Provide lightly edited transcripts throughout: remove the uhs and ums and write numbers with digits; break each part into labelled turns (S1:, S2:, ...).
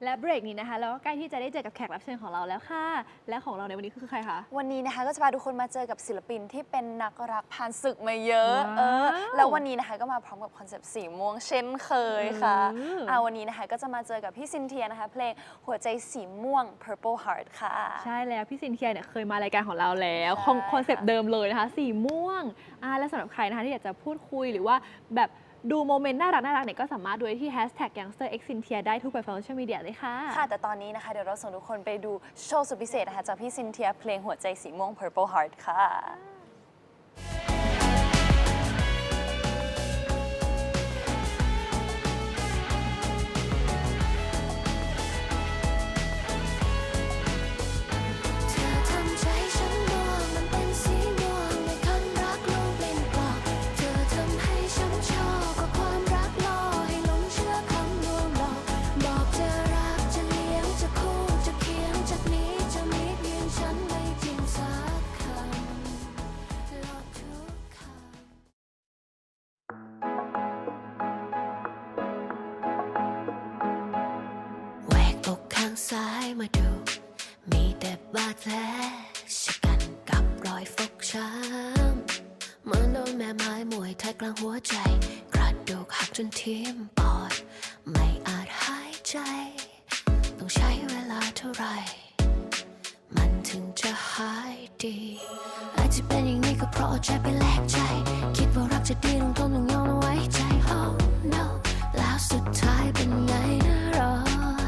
S1: และเบรกนี้นะคะเราก็ใกล้ที่จะได้เจอกับแขกรับเชิญของเราแล้วค่ะและของเราในวันนี้คือใครคะ
S2: วันนี้นะคะก็จะพาทุกคนมาเจอกับศิลปินที่เป็นนักรักผ่านศึกมาเยอะ
S1: ว้าว
S2: แล้ววันนี้นะคะก็มาพร้อมกับคอนเซปต์สีม่วงเช่นเคยค่ะวันนี้นะคะก็จะมาเจอกับพี่ซินเทียนะคะเพลงหัวใจสีม่วง Purple Heart ค่ะ
S1: ใช่แล้วพี่ซินเทียเนี่ยเคยมารายการของเราแล้ว
S2: ใช่
S1: คอนเซปต์เดิมเลยนะคะสีม่วงและสำหรับใครนะคะที่อยากจะพูดคุยหรือว่าแบบดูโมเมนต์น่ารักเนี่ยก็สามารถดูได้ที่ #youngsterxcynthia ได้ทุกแพลตฟอร์มโซเชียลมีเดียเลยค่ะ
S2: ค่ะแต่ตอนนี้นะคะเดี๋ยวเราส่งทุกคนไปดูโชว์สุดพิเศษนะคะจากพี่ซินเทียเพลงหัวใจสีม่วง Purple Heart ค่ะ
S3: ซ้ายมาดูมีแต่บาดแผลชะกันกับรอยฟกช้ำเหมือนโดนแม่ไม้มวยไทยกลางหัวใจกระดูกหักจนทิ่มปอดไม่อาจหายใจต้องใช้เวลาเท่าไหร่มันถึงจะหายดีอาจจะเป็นอย่างนี้ก็เพราะเอาใจไปแลกใจคิดว่ารักจะดีต้องทนต้องยอมเอาไว้ใจ Oh no แล้วสุดท้ายเป็นไงนะรอ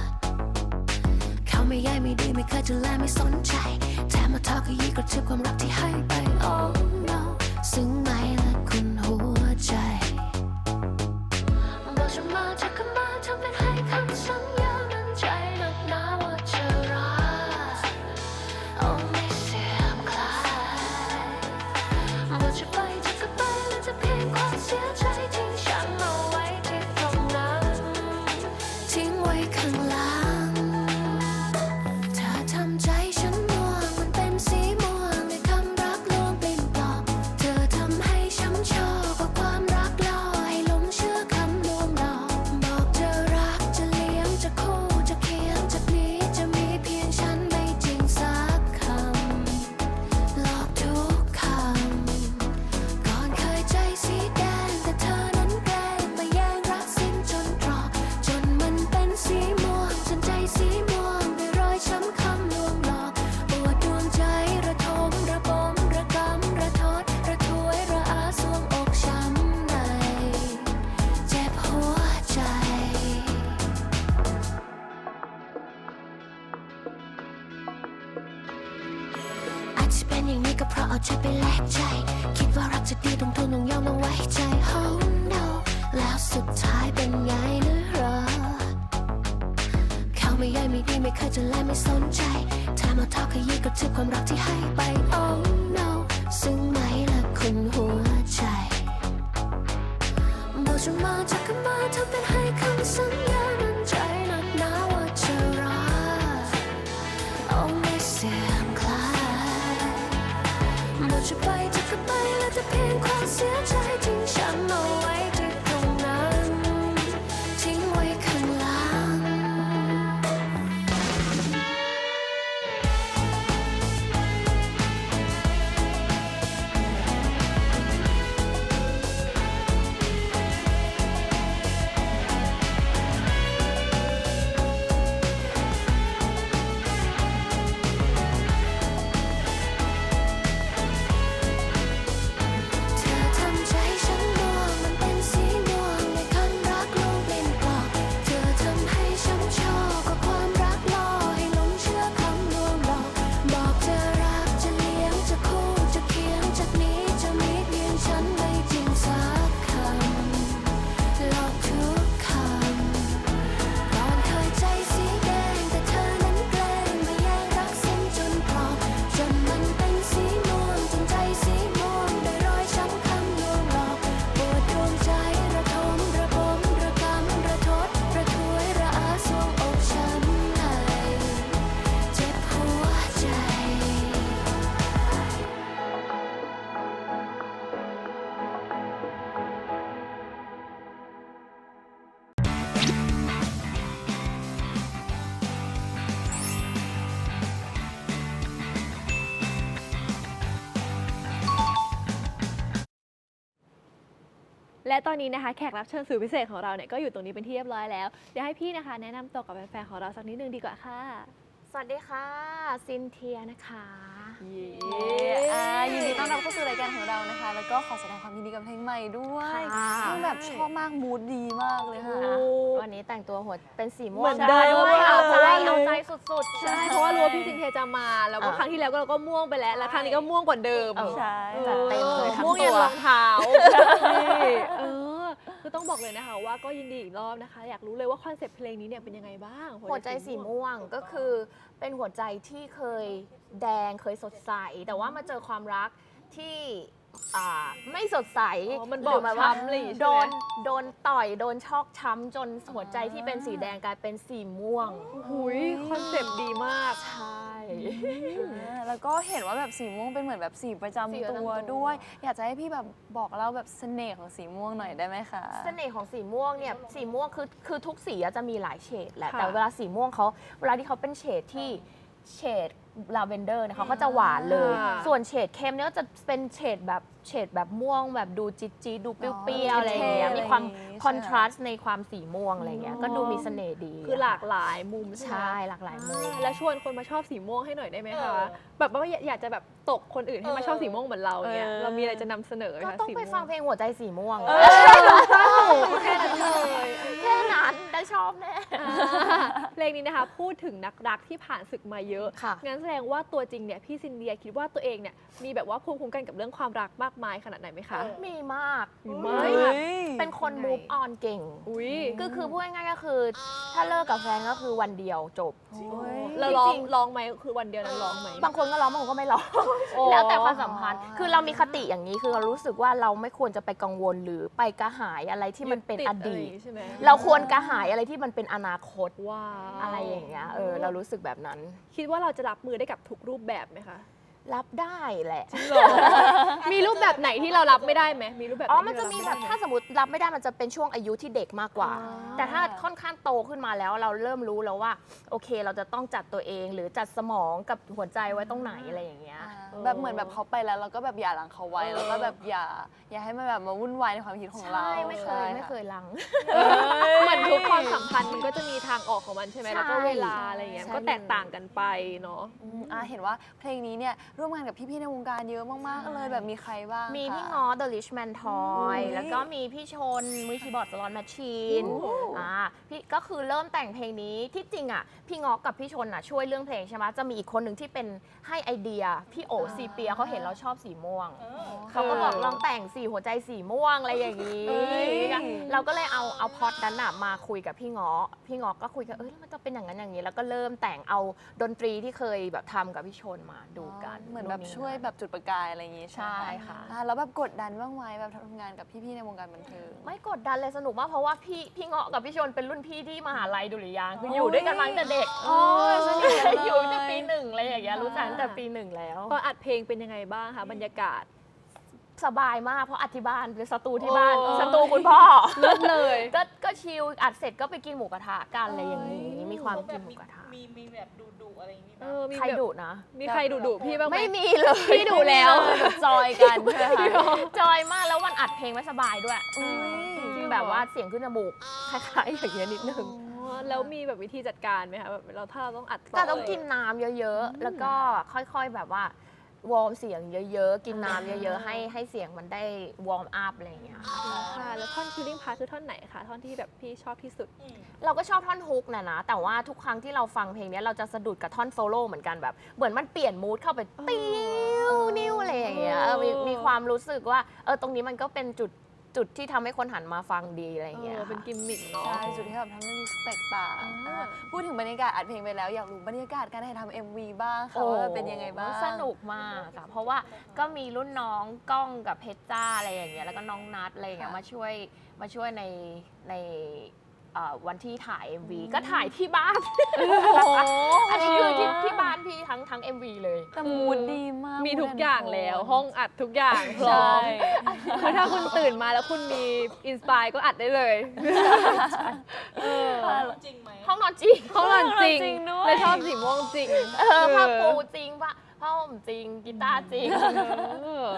S3: ไม่ใยไม่ดีไม่เคยจะแลไม่สนใจแถมมาทอขยี้กระทืบความรักที่ให้ไป Oh no ซึ้งไหมละคุณหัวใจบอกฉันมาจะเข้ามาทำเป็นให้คำสัญญามั่นใจหนักหนาว่าจะรัก Oh ไม่เสื่อมคลายบอกจะไปจะก็ไปและจะเพียงความเสียใจทิ้งฉันเอาไว้ที่ตรงนั้นทิ้งไว้ข้างหลังอย่างนี้ก็เพราะเอาใจไปแลกใจคิดว่ารักจะดีต้องทนต้องยอมต้องไว้ใจ Oh no แล้วสุดท้ายเป็นไงนะรอเขาไม่ใยไม่ดีไม่เคยจะแลไม่สนใจแถมมาทอขยี้กระทืบความรักที่ให้ไป Oh no ซึ้งไหมละคุณหัวใจบอกฉันมาจะกันมาทำเป็นให้คำสัญญามั่นใจหนักหนาว่าจะรัก Oh ไม่เสื่อมคลายบอกจะไปจะก็ไปและจะเพียงความเสียใจทิ้งฉันเอาไว้ที่ตรงนั้นทิ้งไว้ข้างหลังส
S1: และตอนนี้นะคะแขกรับเชิญสุดพิเศษของเราเนี่ยก็อยู่ตรงนี้เป็นที่เรียบร้อยแล้วเดี๋ยวให้พี่นะคะแนะนำตัวกับแฟนๆของเราสักนิดนึงดีกว่าค่ะ
S4: สวัสดีค่ะซินเทียนะคะ
S2: ยินดีต้อนรับเข้าสู่รายการของเรานะคะ แล้วก็ขอแสดงความยินดีกับเพลงใหม่ด้วยซึ่งแบบชอบมากมูดดีมากเลยค่ะ
S4: วันนี้แต่งตัวหัวเป็นสีม่วง
S1: เหมือนเดิม
S4: ด้วยเอาใจ
S1: เลย
S4: เอาใจสุดๆ
S1: ใช่เพราะว่ารู้ว่าพี่ซินเทียจะมาแล้วก็ครั้งที่แล้วเราก็ม่วงไปแล้วครั้งนี้ก็ม่วงกว่าเดิม
S2: ใช่
S4: จัดเต็มเลยทั้ง
S1: ม่วง
S4: ตั
S1: ยัน
S4: ว
S1: รองเท้าคือต้องบอกเลยนะคะว่าก็ยินดีอีกรอบนะคะ อยากรู้เลยว่าคอนเซปต์เพลงนี้เนี่ยเป็นยังไงบ้าง
S4: หัวใจสีม่วงก็คือเป็นหัวใจที่เคยแดงเคยสดใส แต่ว่ามาเจอความรักที่ไม่สดใส
S1: มันบอก
S4: หรืว่า
S1: ช้ำอะไรอย่างงี้
S4: โด
S1: ใช่
S4: น
S1: ไหม
S4: โดนต่อยโดนชอกช้ำจนหัวใจที่เป็นสีแดงกลายเป็นสีม่วง
S1: หุยคอนเซปต์ดีมาก
S4: ใช่
S2: แล้วก็เห็นว่าแบบสีม่วงเป็นเหมือนแบบสีประจำ
S4: สีประจำตั
S2: ตัว วด้วย อยากจะให้พี่แบบบอกเล่าแบบเสน่ห์ของสีม่วงหน่อยได้ไหมคะ
S4: เสน่ห์ของสีม่วงเนี่ยสีม่วงคือทุกสีอะจะมีหลายเฉดแหละ
S1: ค่ะ
S4: แต่เวลาสีม่วงเขาเวลาที่เขาเป็นเฉดที่เฉดลาเวนเดอร์เนี่ยเขาก็จะหวานเลย ส่วนเฉดเข้มเนี่ยก็จะเป็นเฉดแบบม่วงแบบดูจี๊ดๆดูเปรี้ยวๆอะไรอย่างเงี้ย
S2: เท่ๆ
S4: มีความ
S2: อะไรอย่างงี้
S4: คอนทราสต์ในความสีม่วงอะไรอย่างเงี้ยก็ดูมีเสน่ห์ดี
S1: คือหลากหลายมุมใช่ไหม
S4: ใช่หลากหลายมุม
S1: แล้วชวนคนมาชอบสีม่วงให้หน่อยได้ไหมคะแบบว่าอยากจะแบบตกคนอื่นให้มาชอบสีม่วงเหมือนเราเนี่ยเรามีอะไรจะนำเสนอไหม
S4: ก็
S1: คะ
S4: ต้อง
S1: สี
S4: ไป
S1: ม่ว
S4: ฟังเพลงหัวใจสีม่วง
S1: แค่นั้นเลย
S4: แค่นั้นได้ชอบแน่
S1: เพลงนี้นะคะพูดถึงนักรักที่ผ่านศึกมาเยอะ
S4: ค่ะ
S1: งั้นแสดงว่าตัวจริงเนี่ยพี่ซินเดียคิดว่าตัวเองเนี่ยมีแบบว่าภูมิคุ้มกันกับเรื่องความรักมากมายขนาดไหนไหมคะ
S4: มีมาก
S1: มีมาก
S4: แบบเป็นคน move on เก่ง
S1: อุ้ย
S4: คือพูดง่ายๆก็คือ ถ้าเลิกกับแฟนก็คือวันเดียวจบ
S1: เราร้องไหมคือวันเดียวนั้นร้องไหม
S4: บางคนก็ร้องบางคนก็ไม่ร้อง
S1: โอ้
S4: แล้วแต่ความสัมพันธ์ คือเรามีคติอย่างนี้คือเรารู้สึกว่าเราไม่ควรจะไปกังวลหรือไปกระหายอะไรที่มันเป็นอดีต
S1: ใช่ไหม
S4: เราควรกระหายอะไรที่มันเป็นอนาคต
S1: ว้าว
S4: อะไรอย่างเงี้ยเรารู้สึกแบบนั้น
S1: คิดว่าเราจะรับมือได้กับทุกรูปแบบไหมคะ
S4: รับได้แหละ
S1: มีรูปแบบไหนที่เรารับไม่ได้ไหมมีรูปแบบไห
S4: มันจะมีแบบถ้าสมมติรับไม่ได้มันจะเป็นช่วงอายุที่เด็กมากกว่า แต่ถ้าค่อนข้างโตขึ้นมาแล้วเราเริ่มรู้แล้วว่าโอเคเราจะต้องจัดตัวเอง หรือจัดสมองกับหัวใจไว้ตรงไหนอะไรอย่างเงี้ย
S2: แบบเหมือนแบบเขาไปแล้วเราก็แบบอย่าหลังเขาไว้แล้วก็แบบอย่าให้มันแบบมาวุ่นวายในความคิดของเรา
S4: ใช่ไม่เคย
S2: ใช่
S4: ไม่เคยลัง
S1: เหมือนทุกความสัมพันธ์มันก็จะมีทางออกของมันใช่ไหม
S4: ใช่
S1: แล้วก็เวลาอะไรอย่างเงี้ย
S4: ใช่
S1: ก็แตกต่างกันไปเนาะ
S2: เห็นว่าเพลงนี้เนี่ยร่วมงานกับพี่ๆในวงการเยอะมากๆเลยแบบมีใครบ้าง
S4: มีพี่
S2: คะ
S4: ง้อ The Richman Toy
S2: อุ๊ย
S4: แล้วก็มีพี่ชนมือคีย์บอร์ดสลอนแมชชีน
S2: โอ้
S4: พี่ก็คือเริ่มแต่งเพลงนี้ที่จริงอ่ะพี่ง้อกับพี่ชนอ่ะช่วยเรื่องเพลงใช่ไหมจะมีอีกคนหนึ่งที่เป็นให้ไอเดียพี่โอซีเปียเขาเห็นเราชอบสีม่วงเขาก็บอกลองแต่งสีหัวใจสีม่วงอะไรอย่างนี้ เราก็เลยเอาพล็อตนั้นอ่ะมาคุยกับพี่ง้อก็คุยกันแล้วมันจะเป็นอย่างนั้นอย่างนี้ แล้วก็เริ่มแต่งเอาดนตรีที่เคยแบบทำกับพี่ชนมาดูกัน
S2: เหมือนแบบช่วยแบบจุดประกายอะไรอย่างงี้ใช่ไหม
S4: ใช่ค่ะ
S2: แล้วแบบกดดันบ้างไหมแบบทำงานกับพี่ๆในวงการบันเทิง
S4: ไม่กดดันเลยสนุกมากเพราะว่าพี่เงาะกับพี่ชนเป็นรุ่นพี่ที่มหาลัยดุริยางค์คืออยู่ด้วยกันมาตั้งแต่เด็ก
S2: สนิทกันเลย
S4: อยู่ตั้งแต่ปีหนึ่งอะไรอย่างเงี้ยรู้จักตั้งแต่ปีหนึ่งแล้ว
S1: ตอนอัดเพลงเป็นยังไงบ้างคะบรรยากาศ
S4: สบายมากเพราะอัดที่บ้านเป็นสตูที่บ้าน
S1: โอ้
S4: สตูคุณพ่อ
S1: เลิศเลย
S4: ก็ชิลอัดเสร็จก็ไปกินหมูกระทะกันอะไรอย่างนี้มีความกินหมูกระทะ
S5: มีแบบดุอะไรอย่างนี้ไหม
S1: มี
S4: ใคร
S1: แบบ
S4: ดุนะ
S1: มีใครดุพี่บ้างไหม
S4: ไม่มีเลย
S1: พี่ดุแล้ว
S2: แบบจอยกันใช่ไหมคะ
S4: จอยมากแล้ววันอัดเพลงไม่สบายด้วย
S2: อุ๊ย
S4: ที่แบบว่าเสียงขึ้นจมูกคล้ายๆอย่างเงี้ยนิดนึง
S1: แล้วมีแบบวิธีจัดการไหมคะแบบถ้าเราต้องอัด
S4: ก็ต้องกินน้ำเยอะๆ แล้วก็ค่อยๆ แบบว่าวอร์มเสียงเยอะๆ กินน้ำเยอะๆ ให้เสียงมันได้วอร์มอัพอะไรอย่างเงี้ยค่ะ
S1: ค่ะ แล้วท่อนคิลลิ่งพาร์ทคือท่อนไหนคะท่อนที่แบบพี่ชอบที่สุด
S4: เราก็ชอบท่อนฮุกนะ แต่ว่าทุกครั้งที่เราฟังเพลงเนี้ยเราจะสะดุดกับท่อนโซโล่เหมือนกันแบบ เหมือนมันเปลี่ยนมูดเข้าไปติ้วนิ้วอะไรอย่างเงี้ยมีความรู้สึกว่าตรงนี้มันก็เป็นจุดที่ทำให้คนหันมาฟังดีอะไรอย่างเงี้ย
S1: เป็น
S4: ค่ะ
S1: กิมมิคเนาะ
S2: ใช่จุดที่แบบทำให้รู้สึกแตกต่างพูดถึงบรรยากาศอัดเพลงไปแล้วอยากรู้บรรยากาศการถ่ายทำ MV บ้างค่ะว่าเป็นยังไงบ้าง
S4: สนุกมากอะเพราะว่าก็มีรุ่นน้องก้องกับเพชรจ้าอะไรอย่างเงี้ยแล้วก็น้องนัดอะไรอย่างเงี้ยมาช่วยในวันที่ถ่าย MV ก็ถ่ายที่บ้าน อันนี้คือที่บ้านพี่ทั้ง MV เลย
S2: แต่มูดดีมาก
S1: มีทุกอย่างแล้วห้องอัดทุกอย่างพร้
S2: ใช่
S1: อมคือถ้าคุณตื่นมาแล้วคุณมีอินสปายก็อัดได้เลย
S5: จริงไหม
S4: ห้องนอนจริง
S1: เขาหล่อนจริง
S2: จริงด้วย
S1: และชอบสีม่วงจริง
S4: ผ้าปูจริงผ้าห่มจริงกีตาร์จริง
S1: เออ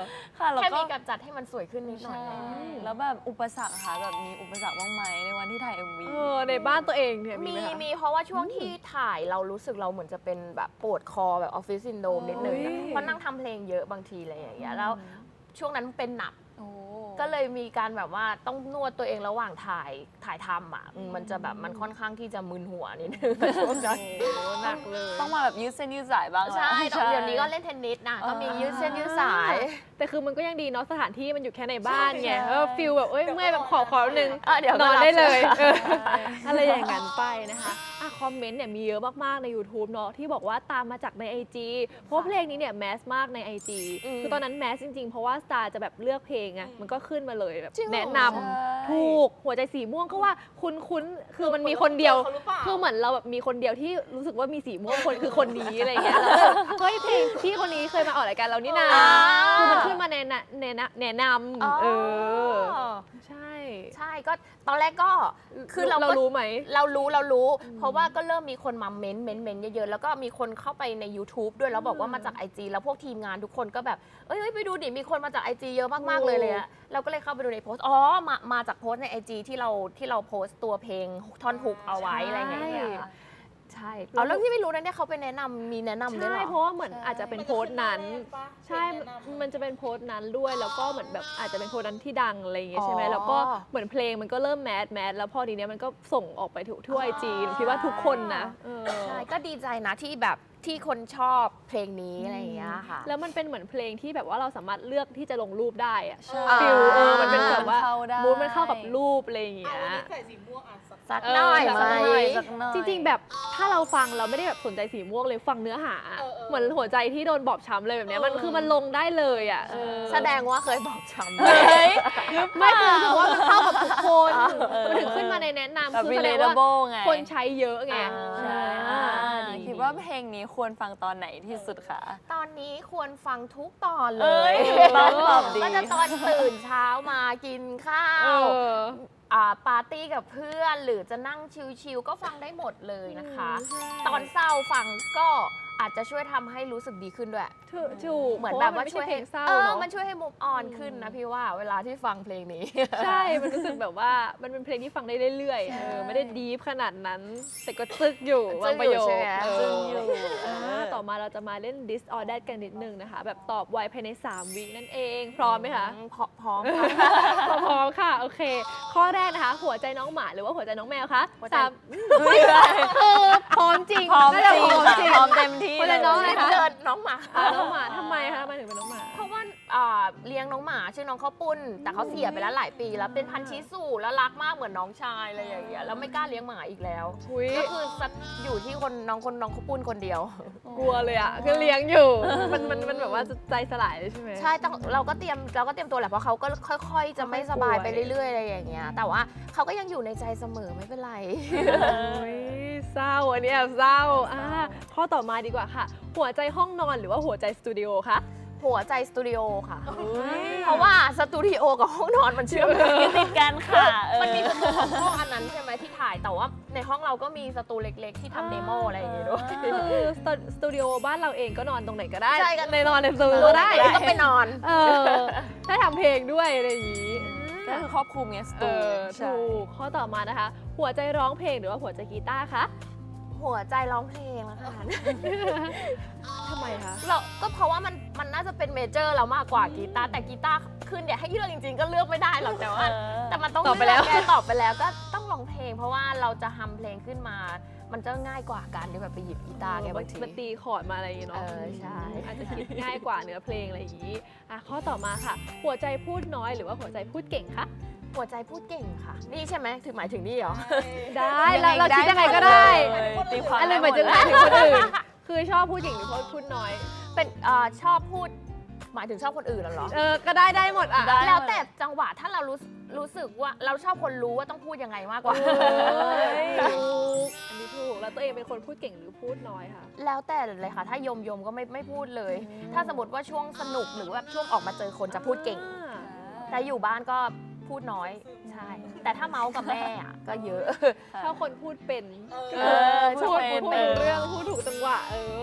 S2: ค่ะแล้ว
S4: แค่
S2: ก็
S4: มีการจัดให้มันสวยขึ้นนิดหน่อย
S2: ใช่แล้วแบบอุปสรรคค่ะแบบมีอุปสรรคบ้างไหมในวันที่ถ่าย MV
S1: ในบ้านตัวเองเนี่ยมี
S4: มี
S1: ไหมคะ
S4: มีเพราะว่าช่วงที่ถ่ายเรารู้สึกเราเหมือนจะเป็นแบบปวดคอแบบออฟฟิศซินโดรมนิดนึงอะ
S1: โอ้ย
S4: เพราะนั่งทำเพลงเยอะบางทีอะไรอย่างเงี้ยแล้วช่วงนั้นเป็นหนัก
S2: โอ้
S4: ก็เลยมีการแบบว่าต้องนวดตัวเองระหว่างถ่ายทำอ่ะมันจะแบบมันค่อนข้างที่จะมึนหัวนิดนึงช่วงนั้น
S1: โอ้หนักเลย
S2: ต้องมาแบบยืดเส้นยืดสายบ้างแล้ว
S4: ใช่เดี๋ยวนี้ก็เล่นเทนนิสนะก็มียืดเส้นยืดสาย
S1: แต่คือมันก็ยังดีเนาะสถานที่มันอยู่แค่ในบ้านไงฟิลแบบเอ้ยเมื่อยแบบขอนึง
S4: เดี๋ยวก็
S1: นอน
S4: หลับ
S1: ได้เลย
S4: ใช่ไหม
S1: อะไรอย่างนั้นไปนะคะคอมเมนต์เนี่ยมีเยอะมากๆใน YouTube เนาะที่บอกว่าตามมาจากใน IG เพราะว่าเพลงนี้เนี่ยแมสมากใน IG คือตอนนั้นแมสจริงๆ เพราะว่าสตาร์จะแบบเลือกเพลงไงมันก็ขึ้นมาเลยแบบ
S4: จริงเหรอ
S1: แนะนำถูกหัวใจสีม่วงก็ว่าคุ้นๆคือมันมีคนเดียว
S5: เขาหรือเปล่า
S1: คือเหมือนเราแบบมีคนเดียวที่รู้สึกว่ามีสีม่วงคนคือคนนี้อะไรอย่างเงี้ยแล้วแบบเฮ้ยเพลงพี่คนนี้เคยมาออกรายการเรานี่นาคือมันขึ้นมาแนะนำใช่
S4: ใช่ก็ตอนแรกก็คือเรา
S1: เรา
S4: ก็
S1: รู้ไหม
S4: เรารู้ เพราะว่าก็เริ่มมีคนมาเม้นเยอะๆ แล้วก็มีคนเข้าไปใน YouTube ด้วยแล้วบอกว่ามาจาก IG แล้วพวกทีมงานทุกคนก็แบบเอ้ยไปดูดิมีคนมาจาก IG เยอะมากๆเลยอะเราก็เลยเข้าไปดูในโพสต์มาจากโพสต์ใน IG ที่เราโพสต์ตัวเพลงท่อนฮุกเอาไว้อะไรอย่างเงี้ยใช่เอาแล้วที่ไม่รู้นะเนี่ยเขาไปแนะนำมีแนะนำด้วยเหร
S1: ใช่
S4: อ
S1: เพราะว่าเหมือนอาจจะเป็นโพสต์นั้น ใช่
S5: แนะนำ
S1: มันจะเป็นโพสต์นั้นด้วย แล้วก็เหมือนแบบอาจจะเป็นโพสต์นั้นที่ดังอะไรอย่างเงี้ยใช่ไหม
S4: อ๋อ
S1: แล้วก็เหมือนเพลงมันก็เริ่มแมสแล้วพอทีเนี้ยมันก็ส่งออกไปทั่วไอจีคิดว่าทุกคนนะเออ
S4: ใช่ก็ดีใจนะที่แบบที่คนชอบเพลงนี้อะไรอย่างเงี้ยค่ะ
S1: แล้วมันเป็นเหมือนเพลงที่แบบว่าเราสามารถเลือกที่จะลงรูปได้อะ
S2: ใช่
S1: ฟิลมันเป็นแบบว่า
S2: เข้าได้
S1: มูดมันเข้ากับรูปอะไรอย่างเงี้
S5: เอา
S1: ย
S5: วันนี้ใส่สีม่วงอ่ะ
S4: สักหน่อย
S1: เออ
S4: ไหม
S2: สักหน่อย
S1: จริงๆ แบบถ้าเราฟังเราไม่ได้แบบสนใจสีม่วงเลยฟังเนื้อหา เหมือนหัวใจที่โดนบอบช้ำเลยแบบเนี้ยมันคือมันลงได้เลยอ่ะเออ
S4: แสดงว่าเคยบอกช้ำ
S2: เฮ้ย
S1: ไม่คือรู้สึกว่ามันเข้ากับทุกคนมันถึงขึ้นมาในแนะนำ
S2: แบบ
S1: คือแสดงว่า
S2: relatable ไง
S1: คนใช้เยอะไง
S2: ใช่
S1: ดี
S2: คิดว่าเพลงนี้ควรฟังตอนไหนที่สุดคะ
S4: ตอนนี้ควรฟังทุกตอนเล
S2: เอ้
S4: ย
S2: ยตอบดี
S4: ก็จะตอนตื่นเช้ามากินข้า
S1: เอ
S4: ว
S1: อ
S4: ปาร์ตี้กับเพื่อนหรือจะนั่งชิลๆก็ฟังได้หมดเลยนะคะ
S1: ใช่
S4: ตอนเศร้าฟังก็อาจจะช่วยทำให้รู้สึกดีขึ้นด้วย
S1: ถูก
S4: เหมือนแบบว่าช่วย
S1: เพ
S4: ให้
S1: ราะว่ามันไม่ใช่เพลงเศร้า
S4: เออ
S1: เนาะ
S4: มันช่วยให้มุมออนขึ้นนะพี่ว่าเวลาที่ฟังเพลงนี้
S1: ใช่ มันรู้สึกแบบว่ามันเป็นเพลงที่ฟังได้เรื่อยๆไม่ได้ดีฟขนาดนั้น แต่ก็ซึกอยู่บางประโยค
S4: ซึกอยู่ใช่ไหม
S2: ซึกอยู่
S1: ต่อมาเราจะมาเล่น This or That กันนิดนึงนะคะ แบบตอบไวภายใน 3 วินั่นเอง พร้อมไหมคะ
S4: พร้อม
S1: พร้อมค่ะ โอเค ข้อแรกนะคะ หัวใจน้องหมาหรือว่าหัวใจน้องแมวคะ
S4: หัวใจ
S1: สามคือพร้อมจริง
S2: พร้อม
S1: น่า
S2: จ
S1: จะ
S2: ริง
S1: พร้อม
S2: ค่ะ
S1: จริง
S2: พร้อมเต็มที่
S1: หัวใจน้องอะไรคะ
S4: เกิดน้องหมา
S1: น้องหมาทำไมคะทำไมถึงเป็นน้องหมา
S4: เพราะว่าเลี้ยงน้องหมาชื่อน้องข้าวปุ้น แต่เขาเสียไปแล้วหลายปีแล้วเป็นพันธุ์ชิสุแล้วรักมากเหมือนน้องชายอะไรอย่างเงี้ยแล้วไม่กล้าเลี้ยงหมาอีกแล้ว
S1: อุ๊ย
S4: ก็คืออยู่ที่น้องข้าวปุ้นคนเดียว
S1: กลัวเลยอ่ะคือเลี้ยงอยู่ มันแบบว่าใจสลายเลยใช่ไหม
S4: ใช่ต้องเราก็เตรียมตัวแหละเพราะเขาก็ค่อยๆ จะไม่สบายไปเรื่อยๆอะไรอย่างเงี้ยแต่ว่าเขาก็ยังอยู่ในใจเสมอไม่เป็นไร
S1: โอ้ยเศร้าอันนี้แอบเศร้าข้อต่อมาดีกว่าค่ะ หัวใจห้องนอนหรือว่าหัวใจสตูดิโอคะ
S4: หัวใจสตูดิโอค่ะ เพราะว่าสตูดิโอกับห้องนอนมันเชื่อมกัน
S2: ติดกันค่ะเออ
S4: มันมีสตูของห้องอันนั้นใช่ไหมที่ถ่ายแต่ว่าในห้องเราก็มีสตูเล็กๆ ที่ทำเดโมอะไรอย่างเงี้ยด้วย
S1: คือสตูดิโอบ้านเราเองก็นอนตรงไหนก็ได้
S4: ใช่ก็
S1: ในนอนในสตูดิโอก็ได้
S4: ก็ไปนอน
S1: ได้ทำเพลงด้วยอะไรอย่างนี้
S2: ก็คือครอบคลุมไงสตูใช่
S1: ถูกข้อต่อมานะคะ หัวใจร้องเพลงหรือว่าหัวใจกีตาร์คะ
S4: หัวใจร้องเพลงแล้วค่ะ
S1: ทำไมคะ
S4: เราก็เพราะว่ามันน่าจะเป็นเมเจอร์เรามากกว่ากีตาร์แต่กีตาร์ขึ้นเนี่ยให้เลือกจริงๆ ก็เลือกไม่ได้หรอกแต่ว่าแต่มันต้อง
S1: ตอบไปแล้ว
S4: เกตอบไปแล้วก็ต้องร้องเพลง เพราะว่าเราจะทำเพลงขึ้นมา มันจะง่ายกว่าการที่แบบไปหยิบกีตาร์ไงบางที
S1: มันตีคอร์ดมาอะไรอย่างงี้เนาะ
S4: ใช่
S1: อาจจะคิดง่ายกว่าเนื้อเพลงอะไรอย่างนี้ข้อต่อมาค่ะ หัวใจพูดน้อยหรือว่าหัวใจพูดเก่งคะ
S4: หัวใจพูดเก่งค่ะ นี่ใช่ไหมถึงหมายถึงนี่เหรอ
S1: ได้เราคิดยังไงก็ได้
S2: ตีความ
S1: อะไร
S2: ได้
S1: หมายถึง
S2: ดเลย
S1: คนอื่น คือชอบพูดเก่งหรือพูดน้อย
S4: เป็นชอบพูดหมายถึงชอบคนอื่นเหรอ
S1: ก็ได้หมดอ่ะ
S2: ได้
S4: แล้วแต่จังหวะถ้าเรารู้สึกว่าเราชอบคนรู้ว่าต้องพูดยังไงมากกว่า
S1: ถูกอันนี้ถูกแล้วตัวเองเป็นคนพูดเก่งหรือพูดน้อยคะ
S4: แล้วแต่เลยค่ะ ถ้ายมก็ไม่พูดเลย ถ้าสมมติว่าช่วงสนุกหรือว่าช่วงออกมาเจอคนจะพูดเก่ง แต่อยู่บ้านก็พูดน้อยใช่แต่ถ้าเมาส์กับแม่อะก็เยอะ
S1: ถ้าคนพูดเป็น
S2: เออ
S1: พูด
S2: เป็น
S1: พูดเป็นเรื่องพูดถูกจังหวะมา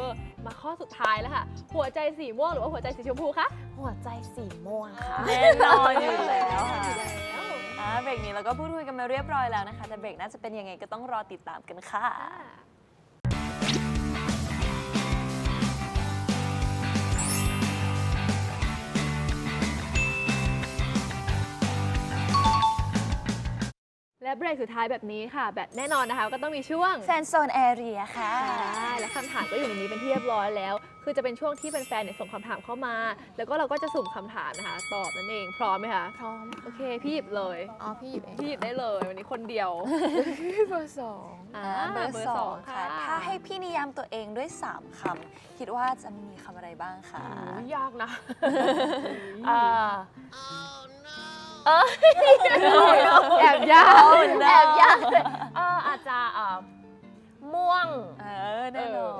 S1: มาข้อสุดท้ายแล้วค่ะ หัวใจสีม่วงหรือว่าหัวใจสีชมพูคะ
S4: หัวใจสีม่วงค่ะ
S2: แน่นอนอยู่แล้วค่ะ
S1: อยู่แล้ว
S2: เบรกนี้เราก็พูดคุยกันมาเรียบร้อยแล้วนะคะ แต่เบรกน่าจะเป็นยังไงก็ต้องรอติดตามกันค่ะ
S1: และเบรกสุดท้ายแบบนี้ค่ะ แบบแน่นอนนะคะ ก็ต้องมีช่วง
S2: แฟนโซนแอเรียค่ะ
S1: ใช่และคำถามก็อยู่ในนี้เป็นที่เรียบร้อยแล้ว คือจะเป็นช่วงที่แฟนๆเนี่ยส่งคำถามเข้ามา แล้วก็เราก็จะสุ่มคำถามนะคะ ตอบนั่นเอง พร้อมไหมคะ
S4: พร้อม
S1: โอเค พี่หยิบเลย
S4: อ๋อพี่หยิบเอง
S1: พี่หยิบได้เลย วันนี้คนเดียว
S4: เบอร์สอง
S2: เบอร์สองค่ะ ถ้าให้พี่นิยามตัวเองด้วย 3 คำ คิดว่าจะมีคำอะไรบ้างคะ
S4: โอ้ยยากนะ
S1: แอบยาก
S4: แอบยากเลยอาจจะม่วง
S2: แน่นอน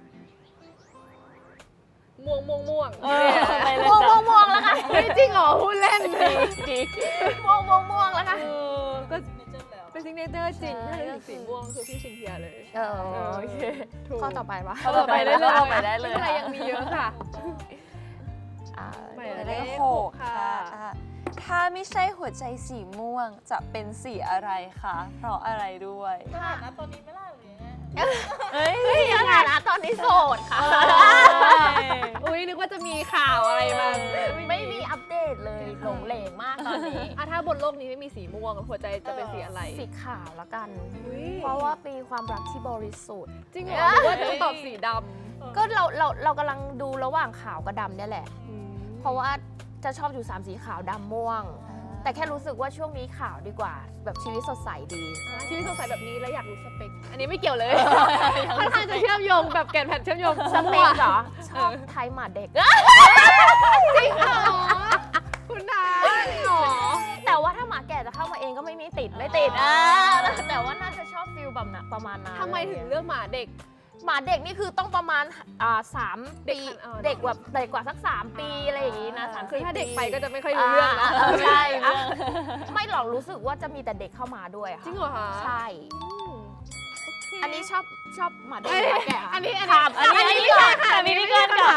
S1: ม่วงม่วงม่วง
S2: ไปเลย
S4: ม่วง
S2: จ้ะ
S4: ม่วงแล้วค่ะ
S1: ไม่จริงเหรอพูดเล่น
S4: ม่วงม่วงม่วงแล้วค่ะ
S1: ก็
S5: ซิกเนเจอร์แล้ว
S1: เป็นซิกเนเจอร์จริงถ้าเป็นสีม่วงคือพี่ชินเทียเลย
S4: โอเค
S1: ถูก
S4: ข้อต่อไปปะ
S2: ข้อต่อไปได้เลย
S1: ไม่เป็นไรยังมีเยอะค่ะ
S4: อ่า
S1: หมาย
S2: หมาย
S1: เล
S2: เล
S1: ข
S2: ข
S1: ห
S2: ห
S1: ก
S2: ก
S1: ค่ะ
S2: ค่ะถ้าไม่ใช่หัวใจสีม่วงจะเป็นสีอะไรคะ เพราะอะไรด้วย
S5: สถานะตอนนี้ไม่ล่าหรือยังไง
S2: เฮ้ย
S4: สถานะตอนนี้โสดค่ะ
S1: อุ้ยนึกว่าจะมีข่าวอะไรมา
S4: ไม่มีอัปเดตเลยหลงเหลงมากตอนนี้
S1: อ่ะถ้าบนโลกนี้ไม่มีสีม่วงหัวใจจะเป็นสีอะไร
S4: สีขาวแล้วกัน
S1: อุ๊ย
S4: เพราะว่ามีความรักที่บริสุทธิ์
S1: จริงเหรอหรือว่าจะตอบสีด
S4: ก็เรากำลังดูระหว่างขาวกับดำเนี่ยแหละ
S1: ำ
S4: เพราะว่าจะชอบอยู่ 3 สีขาวดำม่วง แต่แค่รู้สึกว่าช่วงนี้ขาวดีกว่า แบบชีวิตสดใสดี
S1: ชีวิตสงสัยแบบนี้แล้วอยากรู้สเปค อันนี้ไม่เกี่ยวเลยค่อนข้างจะเชื่อมโยงแบบแก่นแผ่นเชื่อมโยง
S4: สเปคเหรอ ชอบไทยหมาเด็ก
S1: จริงเหรอคุณนาจริงเหรอ
S4: แต่ว่าถ้าหมาแก่จะเข้ามาเองก็ไม่มีติดไม่ติดแต่ว่าน่าจะชอบฟิลแบบนั้นประมาณนั้น
S1: ทำไมถึงเลือกหมาเด็ก
S4: หมาเด็กนี่คือต้องประมาณ3 ปี
S1: เด็
S4: เด็
S1: ก
S4: กแบบเด็กกว่าสัก 3 ปีอะไรอย่างงี้นะ3
S1: คือถ้าเด็กไปก็
S4: จะ
S1: จะไม่ค่อยรู้เรื่องนะ
S4: ใช่ไม่หรอกรู้สึกว่าจะมีแต่เด็กเข้ามาด้วยค่ะ
S1: จริงเหรอคะ
S4: ใช่ อันนี้ชอบหมาเด็ก
S1: เอ้ย
S4: หมาแก่
S1: อันนี้
S4: ถามอันนี้
S1: ก่อน
S4: ค่ะ
S1: อันนี้ก่อนค่ะ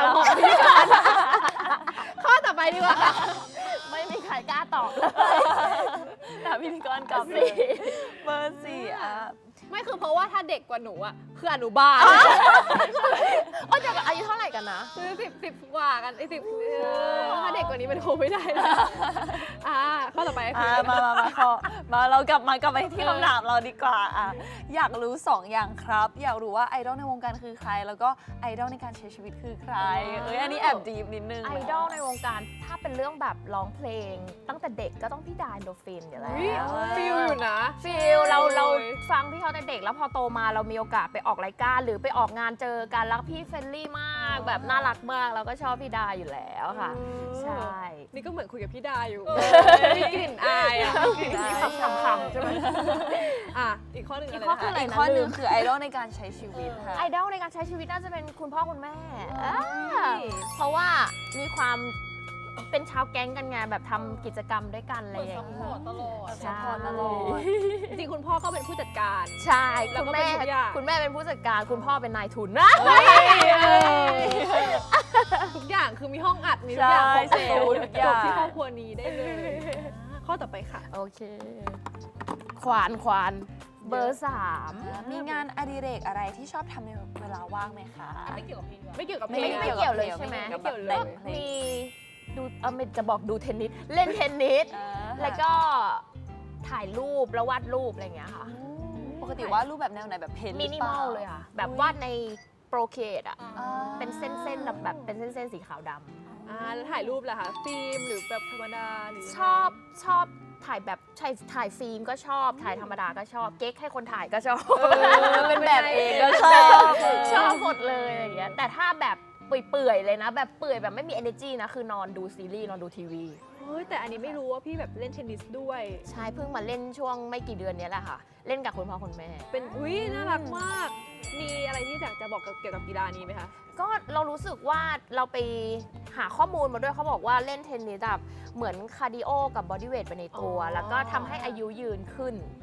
S1: ข้อต่อไปดีกว่าค่ะ
S4: ไม่มีใครกล้าตอบเลย
S2: ถามพิธีกรกลับเลยเบอร์สี่อ่ะ
S1: ไม่คือเพราะว่าถ้าเด็กกว่าหนูอ่ะคืออนุบาล
S4: โอ้ยแต่อายุเท่าไหร่กันนะ
S1: คือสิบกว่ากัน10ถ้าเด็กกว่านี้มันคงไม่ได้นะข้อต่อไปคือ
S2: มาเรากลับไปที่คำถามเราดีกว่าอยากรู้ 2 อย่างครับ อยากรู้ว่าไอดอลในวงการคือใคร แล้วก็ไอดอลในการใช้ชีวิตคือใคร อันนี้แอบดีฟนิดนึง
S4: ไอดอลในวงการถ้าเป็นเรื่องแบบร้องเพลง ตั้งแต่เด็กก็ต้องพี่ดา Endorphin อยู่แล้ว
S1: ฟิลอยู่นะ
S4: ฟิลเราฟังพี่เขาในเด็กแล้วพอโตมาเรามีโอกาสไปออกรายการ หรือไปออกงานเจอกันแล้วพี่เฟรนลี่มากแบบน่ารักมากเราก็ชอบพี่ดาอยู่แล้วค่ะ ใช่
S1: นี่ก็เหมือนคุยกับพี่ดาอยู่มีกลิ่นอายอ่ะมีคำคำๆใช่ไหมอีกข้อหนึ่งอะไร
S4: อีกข้อคือ
S1: นะ
S4: อะไร
S2: อีกข้อหนึ่งคือไอดอลในการใช้ชีวิตค่ะ
S4: ไอดอลในการใช้ชีวิตน่าจะเป็นคุณพ่อคุณแม่เพราะว่ามีความเป็นชาวแก๊งกันไงแบบทำกิจกรรมด้วยกันอะไร
S5: เปิด
S4: อ
S5: ซั
S4: ย่า
S5: พ
S4: ง
S5: พอ
S4: เงี้
S5: ร์ตตลอด
S4: ใช่
S2: ตลอด
S1: จริงๆคุณพ่อก็เป็นผู้จัดการ
S4: ใช่
S1: แล้ว
S4: คุ
S1: ก็
S4: ณ
S1: เป็น
S4: แม่
S1: ทุกอย่าง
S4: คุณแม่เป็นผู้จัดการคุณพ่อเป็นนายทุนนะ
S1: ทุกอย่างคือมีห้องอัดมีทุกอย่างครบ
S2: ใช่
S1: สูตร
S2: ทุกอย่าง
S1: จบที่ครอบครัวนี้ได้เลยข้อต่อไปค่ะ
S4: โอเค ควานเบอร์ 3
S2: มีงานอดิเรกอะไรที่ชอบทำในเวลาว่างไหมคะ
S5: ไม่เกี่ยวกับเพลงด้วย
S1: ไม่เกี่ยวกับเพล
S4: ไม่
S1: ง
S4: เกี่ยวเลยใช่ไหม
S2: ไม่เกี่ยวเลย
S4: มีดูไม่จะบอกดูเทนนิสเล่นเทนนิสแล้วก็ถ่ายรูปแล้ววาดรูปอะไรอย่างเงี้ยค่ะ
S2: ปกติว่ารูปแบบแนวไหนแบบเพน
S4: มินิมอลเลยค่ะ แบบวาดในโปรเคดอ่ะ เป็นเส้นๆแบบเป็นเส้นๆสีขาวดำ
S1: แล้วถ่ายรูปล่ะคะฟิล์มหรือแบบธรรมดาหรือ
S4: ชอบถ่ายแบบถ่ายฟิล์มก็ชอบถ่ายธรรมดาก็ชอบเก๊กให้คนถ่ายก็ชอบ
S2: เป็นแบบเองก็ชอบ
S4: ชอบหมดเลยอะไรอย่างเงี้ยแต่ถ้าแบบเปื่อยๆเลยนะ แบบเปื่อยแบบไม่มี energy นะคือนอนดูซีรีส์นอนดูทีวี
S1: เฮ้ยแต่อันนี้ไม่รู้ว่าพี่แบบเล่นเทนนิสด้วย
S4: ใช่เพิ่งมาเล่นช่วงไม่กี่เดือนเนี้ยแหละค่ะ เล่นกับคุณพ่อคุณแม่
S1: เป็นอุ้ยน่ารักมาก มีอะไรที่อยากจะบอกเกี่ยวกับกีฬานี้ไหมคะ
S4: ก็เรารู้สึกว่าเราไปหาข้อมูลมาด้วยเขาบอกว่าเล่นเทนนิสแบบเหมือนคาร์ดิโอกับบอดี้เวทไปในตัว แล้วก็ทำให้อายุยืนขึ้น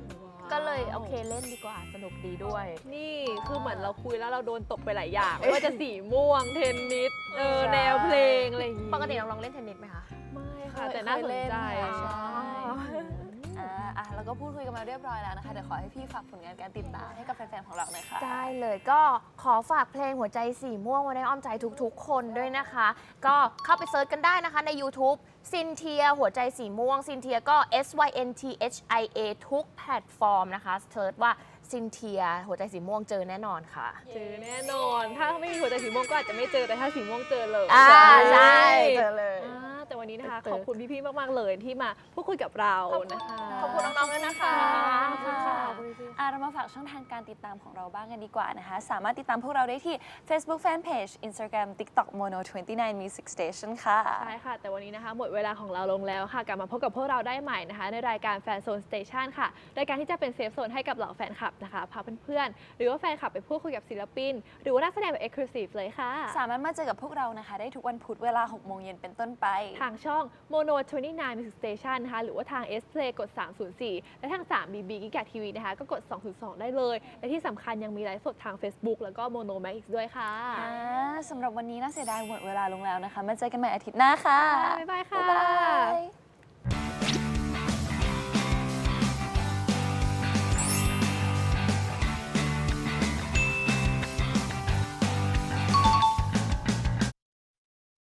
S4: ก็เลยโอเคเล่นดีกว่าสนุกดีด้วย
S1: นี่คือเหมือนเราคุยแล้วเราโดนตกไปหลายอย่างไม่ว่าจะสีม่วงเทนนิสแนวเพลงอะไรอย่างงี้
S4: ปกติน้องๆเล่นเทนนิสไหมคะ
S1: ไม่ค่ะแต่น่าสนใจ
S2: ใช่แล้วก็พูดคุยกันมาเรียบร้อยแล้วนะคะเดี๋ยวขอให้พี่ฝากผลงานการติดตามให้กับแฟนๆของเราหน่อยค่ะ
S4: ได้เลยก็ขอฝากเพลงหัวใจสีม่วงไว้ในอ้อมใจทุกๆ คนด้วยนะคะ ก็เข้าไปเซิร์ชกันได้นะคะใน YouTube ซินเทียหัวใจสีม่วงซินเทียก็ SYNTHIA ทุกแพลตฟอร์มนะคะเซิร์ชว่าซินเทียหัวใจสีม่วงเจอแน่นอนค่ะ
S1: เจอแน่นอน ถ้าไม่มีหัวใจสีม่วงก็อาจจะไม่เจอแต่ถ้าสีม่วงเจอเลย
S4: ใช่เจอเลย
S1: แต่วันนี้นะคะ
S4: เจอ
S1: ขอบคุณพี่ๆมากๆเลยที่มาพูดคุยกับเรานะคะ
S4: ขอบคุณน้องๆด้วยนะคะ
S2: ขอบคุณค่ะ เรามาฝากช่องทางการติดตามของเราบ้างกันดีกว่านะคะ สามารถติดตามพวกเราได้ที่ Facebook Fanpage Instagram TikTok Mono 29 Music Station ค่ะ
S1: ใช่ค่ะ แต่วันนี้นะคะหมดเวลาของเราลงแล้วค่ะ กลับมาพบกับพวกเราได้ใหม่นะคะ ในรายการแฟนโซนสเตชันค่ะ รายการที่จะเป็นเซฟโซนให้กับเหล่าแฟนคลับนะคะ พาเพื่อนๆ หรือว่าแฟนคลับไปพูดคุยกับศิลปิน หรือว่านักแสดงแบบ Exclusive เลยค่ะ
S2: สามารถมาเจอกับพวกเรานะคะ ได้ทุกวันพุธเวลา 6 โมงเย็นเป็นต้นไป
S1: ทางช่อง Mono 29 Music Station นะคะ หรือว่าทาง S Play กด 304 และทาง 3BB กิกะทีวีนะคะ ก็กด 202 ได้เลย และที่สำคัญยังมีไลฟ์สดทาง Facebook แล้วก็ Mono Max ด้วยค่ะ
S2: สำหรับวันนี้น่าเสียดายหมดเวลาลงแล้วนะคะ มาเจอกันใหม่อาทิตย์หน้าค่ะ
S1: บ๊ายบายค่ะ
S2: บ๊ายบาย